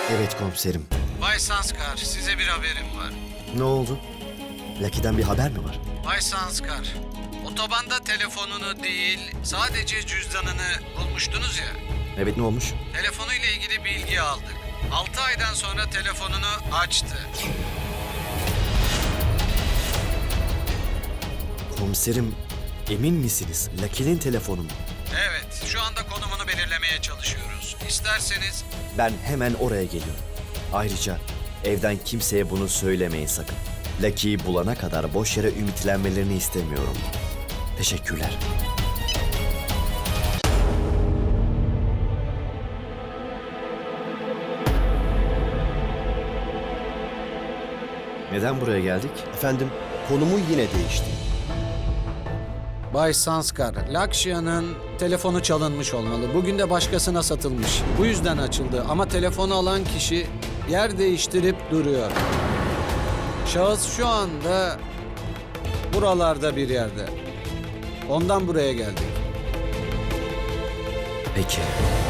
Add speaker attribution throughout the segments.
Speaker 1: Evet komiserim.
Speaker 2: Bay Sanskar, size bir haberim var.
Speaker 1: Ne oldu? Lucky'den bir haber mi var?
Speaker 2: Bay Sanskar, otobanda telefonunu değil, sadece cüzdanını bulmuştunuz ya.
Speaker 1: Evet, ne olmuş?
Speaker 2: Telefonuyla ilgili bilgi aldık. 6 aydan sonra telefonunu açtı.
Speaker 1: Komiserim, emin misiniz? Lucky'nin telefonu mu?
Speaker 2: Evet, şu anda konumunu belirlemeye çalışıyoruz. İsterseniz
Speaker 1: Ben hemen oraya geliyorum. Ayrıca evden kimseye bunu söylemeyin sakın. Lucky'yi bulana kadar boş yere ümitlenmelerini istemiyorum. Teşekkürler. Neden buraya geldik?
Speaker 3: Efendim, konumu yine değişti.
Speaker 2: Bay Sanskar, Lakshya'nın telefonu çalınmış olmalı. Bugün de başkasına satılmış. Bu yüzden açıldı ama telefonu alan kişi yer değiştirip duruyor. Şahıs şu anda buralarda bir yerde. Ondan buraya geldik.
Speaker 1: Peki.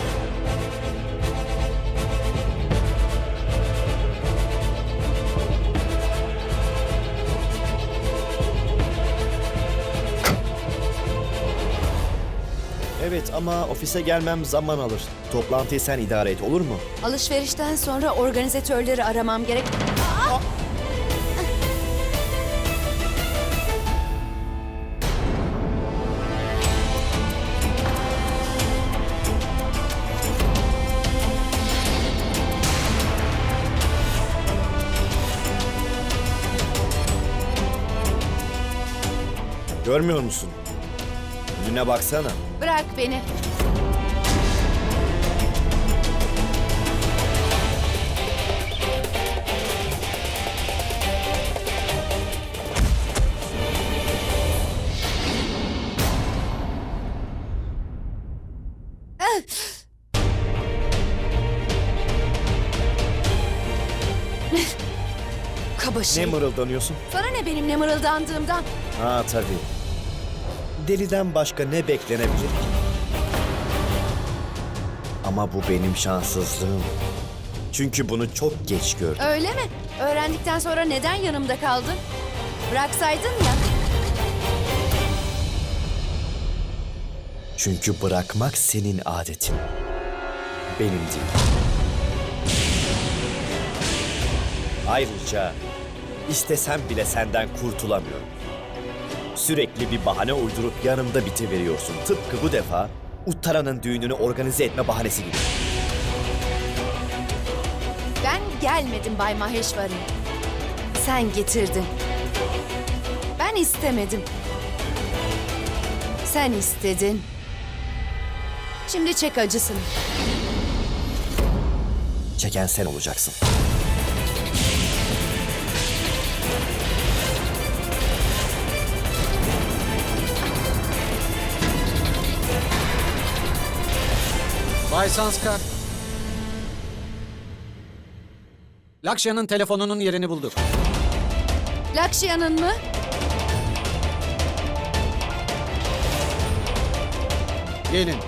Speaker 1: Evet ama ofise gelmem zaman alır. Toplantıyı sen idare et, olur mu?
Speaker 4: Alışverişten sonra organizatörleri aramam gerek.
Speaker 1: Görmüyor musun? Önüne baksana.
Speaker 4: Bırak beni. Kaba
Speaker 1: Ne
Speaker 4: şey.
Speaker 1: mırıldanıyorsun?
Speaker 4: Sana ne benim ne mırıldandığımdan?
Speaker 1: Ha tabii. Deliden başka ne beklenebilir ki? Ama bu benim şanssızlığım. Çünkü bunu çok geç gördüm.
Speaker 4: Öyle mi? Öğrendikten sonra neden yanımda kaldın? Bıraksaydın ya.
Speaker 1: Çünkü bırakmak senin adetin. Benim değil. Ayrıca istesem bile senden kurtulamıyorum. Sürekli bir bahane uydurup yanımda bitiveriyorsun. Tıpkı bu defa Uttara'nın düğününü organize etme bahanesi gibi.
Speaker 4: Ben gelmedim Bay Maheshwari. Sen getirdin. Ben istemedim. Sen istedin. Şimdi çek acısını.
Speaker 1: Çeken sen olacaksın.
Speaker 2: Bay Sanskar. Lakshya'nın telefonunun yerini bulduk.
Speaker 4: Lakshya'nın mı?
Speaker 2: Gelin.